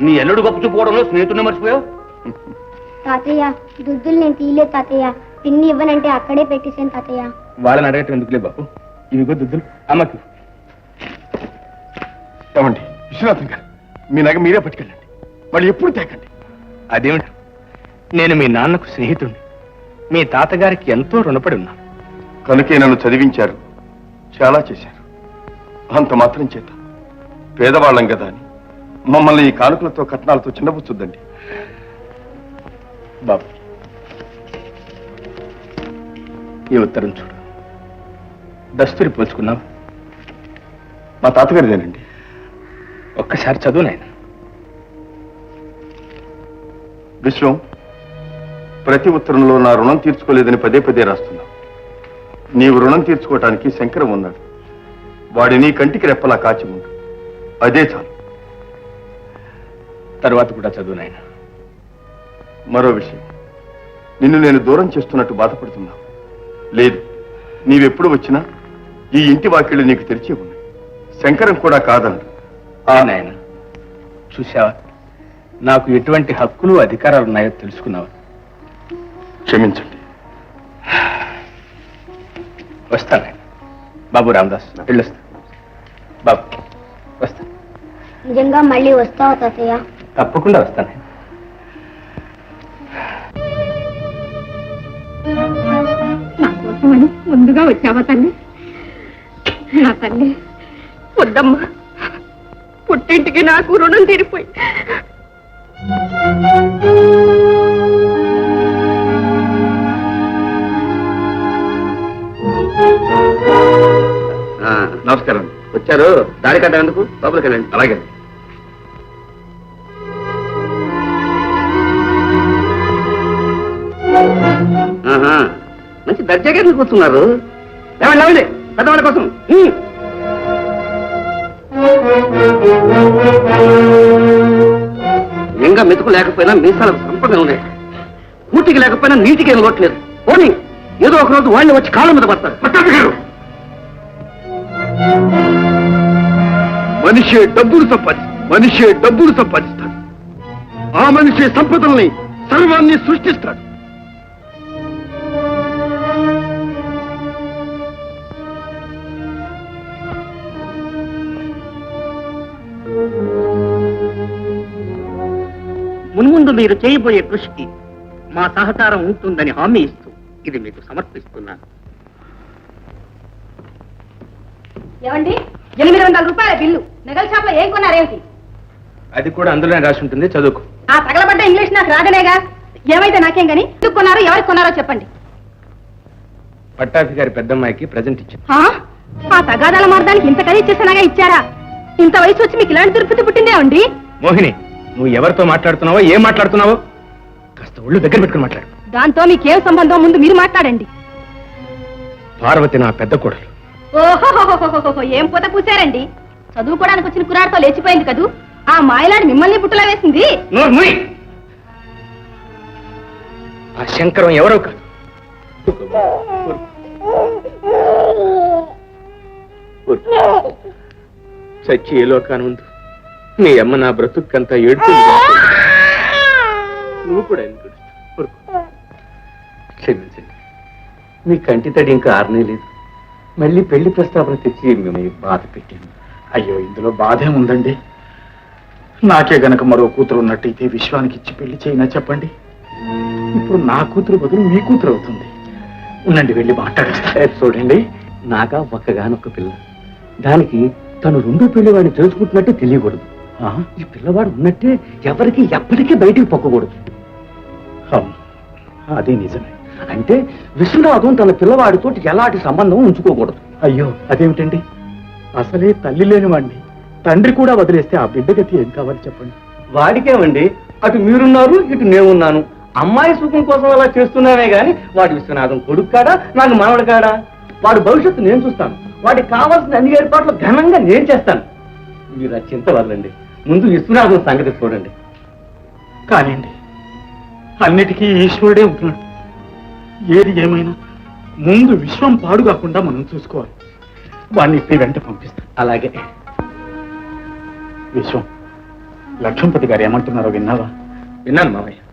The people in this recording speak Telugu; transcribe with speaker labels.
Speaker 1: నీ ఎల్లుడు గొప్ప చూపుకోవడంలో స్నేహితుడిని మర్చిపోయావు.
Speaker 2: తాతయ్య దుద్దులు నేను తీయలేదు తాతయ్య. పిన్ని ఇవ్వనంటే అక్కడే పెట్టేసాను తాతయ్య.
Speaker 1: వాళ్ళని అడగటం ఎందుకులే బాబు. ఇవిగో దుద్దులు అమ్మకి.
Speaker 3: ఏమండి విశ్వనాథం గారు, మీ నగ మీరే పట్టుకెళ్ళండి, వాళ్ళు ఎప్పుడు తేకండి.
Speaker 1: అదేమిటి, నేను మీ నాన్నకు స్నేహితుడిని, మీ తాతగారికి ఎంతో రుణపడి ఉన్నాను.
Speaker 3: కనుకే నన్ను చదివించారు, చాలా చేశారు. అంత మాత్రం చేత పేదవాళ్ళం కదా అని మమ్మల్ని ఈ కానుకలతో కట్నాలతో చిన్నపుచ్చుద్దండి.
Speaker 1: బాబు, ఈ ఉత్తరం చూడు. దస్తూరి పోల్చుకున్నావు.
Speaker 3: మా తాతగారిదేనండి.
Speaker 1: ఒక్కసారి చదువు నాయన.
Speaker 3: విశ్వం, ప్రతి ఉత్తరంలో నా రుణం తీర్చుకోలేదని పదే పదే రాస్తున్నా. నీవు రుణం తీర్చుకోవటానికి శంకరం ఉన్నాడు. వాడి నీ కంటికి రెప్పలా కాచి ఉండు, అదే చాలు.
Speaker 1: తర్వాత కూడా చదువు నాయన.
Speaker 3: మరో విషయం, నిన్ను నేను దూరం చేస్తున్నట్టు బాధపడుతున్నా. లేదు, నీవెప్పుడు వచ్చినా ఈ ఇంటి వాకిళ్ళు నీకు తెరిచే ఉన్నాయి. శంకరం కూడా కాదన్నాడు.
Speaker 1: నాయన, చూసావా, నాకు ఎటువంటి హక్కులు అధికారాలు ఉన్నాయో తెలుసుకున్నావా?
Speaker 3: క్షమించండి.
Speaker 1: వస్తాను బాబు. రామదాస్, వెళ్ళొస్తా. బాబు వస్తా.
Speaker 2: నిజంగా మళ్ళీ వస్తావా తాతయ్య?
Speaker 1: తప్పకుండా వస్తాను.
Speaker 4: నా కోసమని ముందుగా వచ్చావా తల్లి? నా తల్లి వద్దమ్మా, పుట్టింటికి నాకు రుణం తీరిపోయి.
Speaker 3: నమస్కారం.
Speaker 1: వచ్చారు, దారి కట్టేందుకు లోపలికి వెళ్ళండి.
Speaker 3: అలాగే.
Speaker 1: మంచి దర్జాగా కూర్చున్నారు. లేవండి లేవండి, పెద్దవాళ్ళ కోసం. ఇంకా మెతుకు లేకపోయినా మీసాలకు సంపద ఉన్నాయి. కూటికి లేకపోయినా నీటికి ఎనగొట్టలేదు. పోనీ ఏదో ఒక రోజు వాళ్ళు వచ్చి కాళ్ళ మీద పడతారు.
Speaker 3: మనిషి డబ్బులు సంపాదిస్తాడు. ఆ మనిషి సంపదల్ని సర్వాన్ని సృష్టిస్తాడు.
Speaker 5: మున్ముందు మీరు చేయబోయే కృషికి మా సహకారం ఉంటుందని హామీ ఇస్తూ ఇది మీకు సమర్పిస్తున్నాను.
Speaker 4: ఏమండి, 800 రూపాయల బిల్లు నగల షాప్ లో ఏం కొన్నారేమిటి?
Speaker 1: అది కూడా అందులోనే రాసి ఉంటుంది, చదువుకు.
Speaker 4: ఆ తగలబడ్డ ఇంగ్లీష్ నాకు రాదనేగా. ఏమైతే నాకేం గాని, ఎందుకు కొన్నారో ఎవరికి కొన్నారో చెప్పండి.
Speaker 1: పట్టాభి గారి పెద్దమ్మాయికి ప్రజెంట్ ఇచ్చింది.
Speaker 4: ఆ తగాదాల మార్గానికి ఇంత ఖరీదు చేసినాగా ఇచ్చారా? ఇంత వయసు వచ్చి మీకు ఇలాంటి దుర్పతి పుట్టిందే అండి.
Speaker 1: మోహిని, నువ్వు ఎవరితో మాట్లాడుతున్నావో, ఏం మాట్లాడుతున్నావో కాస్త ఒళ్ళు దగ్గర పెట్టుకుని మాట్లాడు.
Speaker 4: దాంతో మీకేం సంబంధం, ముందు మీరు మాట్లాడండి.
Speaker 1: పార్వతి నా పెద్ద కోడలు.
Speaker 4: ఓహో, ఏం పూత పూసారండి. చదువుకోవడానికి వచ్చిన కురాడితో లేచిపోయింది కదూ. ఆ మాయలాడి మిమ్మల్ని పుట్టులా వేసింది.
Speaker 1: ఆ శంకరం ఎవరో కాదు. చచ్చి ఏ లోకాను ఉంది. మీ అమ్మ నా బ్రతుక్కంతా ఏడుతుంది. నువ్వు కూడా ఎందుకు క్షమించండి. మీ కంటి తడి ఇంకా ఆరనే లేదు. మళ్ళీ పెళ్లి ప్రస్తావన తెచ్చి మిమ్మల్ని బాధ పెట్టాను.
Speaker 6: అయ్యో, ఇందులో బాధే ఉందండి. నాకే గనక మరో కూతురు ఉన్నట్టయితే విశ్వానికి ఇచ్చి పెళ్లి చేయినా చెప్పండి. ఇప్పుడు నా కూతురు బదులు మీ కూతురు అవుతుంది. ఉండండి, వెళ్ళి మాట్లాడేస్తా.
Speaker 5: చూడండి, నాగా ఒక్కగానొక్క పిల్ల. దానికి తను రెండో పిల్లవాడిని తెలుసుకుంటున్నట్టే తెలియకూడదు. ఈ పిల్లవాడు ఉన్నట్టే ఎవరికి ఎప్పటికీ బయటికి పొక్కకూడదు.
Speaker 6: అదే నిజమే.
Speaker 5: అంటే విశ్వనాథం తన పిల్లవాడితో ఎలాంటి సంబంధం ఉంచుకోకూడదు.
Speaker 6: అయ్యో, అదేమిటండి? అసలే తల్లి లేని వాడిని తండ్రి కూడా వదిలేస్తే ఆ బిడ్డ గతి ఏం కావాలి చెప్పండి.
Speaker 5: వాడికేమండి, అటు మీరున్నారు, ఇటు నేనున్నాను. అమ్మాయి సుఖం కోసం అలా చేస్తున్నానే గాని వాడి విశ్వనాథం కొడుకు కాడా, నాకు మనవడు కాడా? వాడి భవిష్యత్తు నేను చూస్తాను. వాడికి కావాల్సిన అన్ని ఏర్పాట్లు ఘనంగా నేను చేస్తాను. మీరు ఆ చింత వదలండి. ముందు విశ్వనాథం సంగతి చూడండి.
Speaker 6: కానివ్వండి, అన్నిటికీ ఈశ్వరుడే ఉంటున్నాడు. ఏది ఏమైనా ముందు విశ్వం పాడు కాకుండా మనం చూసుకోవాలి. వాడిని ఇప్పుడు వెంట పంపిస్తాం.
Speaker 5: అలాగే.
Speaker 6: విశ్వం, లక్ష్మణపతి గారు ఏమంటున్నారో విన్నావా?
Speaker 5: విన్నాను మావయ్య.